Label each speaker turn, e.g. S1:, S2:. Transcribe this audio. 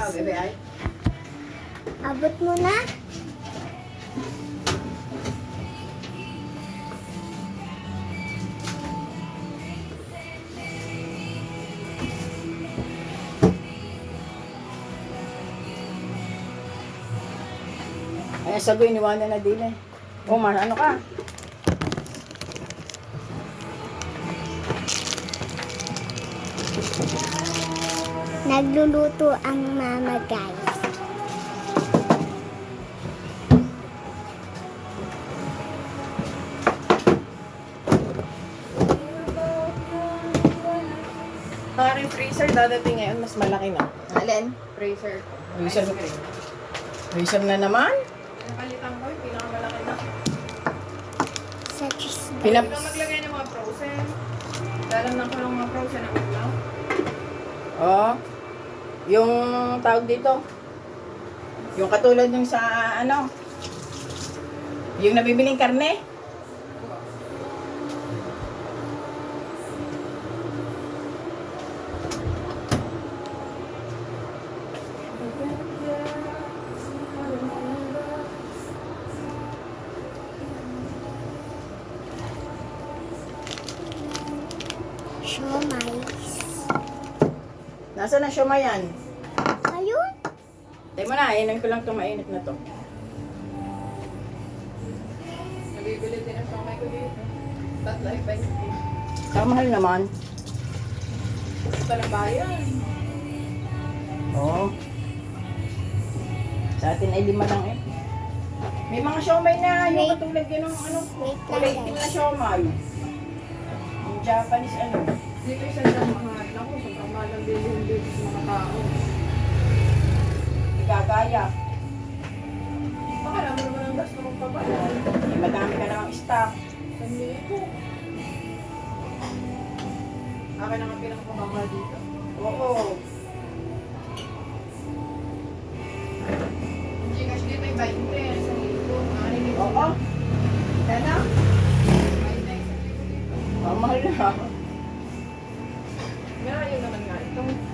S1: bebe ay.
S2: Abot mo na.
S1: Ay, sagoy, iniwanan na din eh. O, ano ka?
S2: Nagluluto ang mama, guys.
S1: Ang aking freezer dadating ngayon, mas malaki na.
S3: Alin? Freezer.
S1: Freezer, freezer na naman?
S3: Napalitan ko yung pinakamalaki na.
S2: Sa cheese,
S1: Pinap
S3: Huwag kang maglagay ng mga frozen. Dalam na ko ng mga frozen na ulam.
S1: Oh, yung tawag dito. Yung katulad ng sa ano, yung nabibiling karne.
S2: siomais.
S1: Nasaan na siya yan?
S2: Ayun.
S1: Tayo mo na, inan ko lang itong mainit na to.
S3: Nabibili din ang samay ko dito. Tatlo ay 20.
S1: Kamahal naman.
S3: Ito lang bayan.
S1: Oo. Sa atin ay 5 lang eh. May mga siomay na, yung
S2: Wait.
S1: katulad yun ng ano,
S2: Wait lang,
S1: kulay pink na
S2: guys.
S1: siomay. Yung Japanese ano.
S3: Dito isa lang mahal. Ako, sobrang mahal ang bilhin dito sa mga tao.
S1: Igagaya.
S3: Baka naman naman ang gasto mong pabayad.
S1: Eh, madami ka namang stock.
S3: Hindi ko. Akin ang pinakamamahal dito.
S1: Oo.
S3: Ang Gcash dito ay 20. Sa libo. Anin
S1: Oo.
S3: Dana? 20 isang libo dito.
S1: Ang mahal na.
S3: Meron yun naman nga. Itong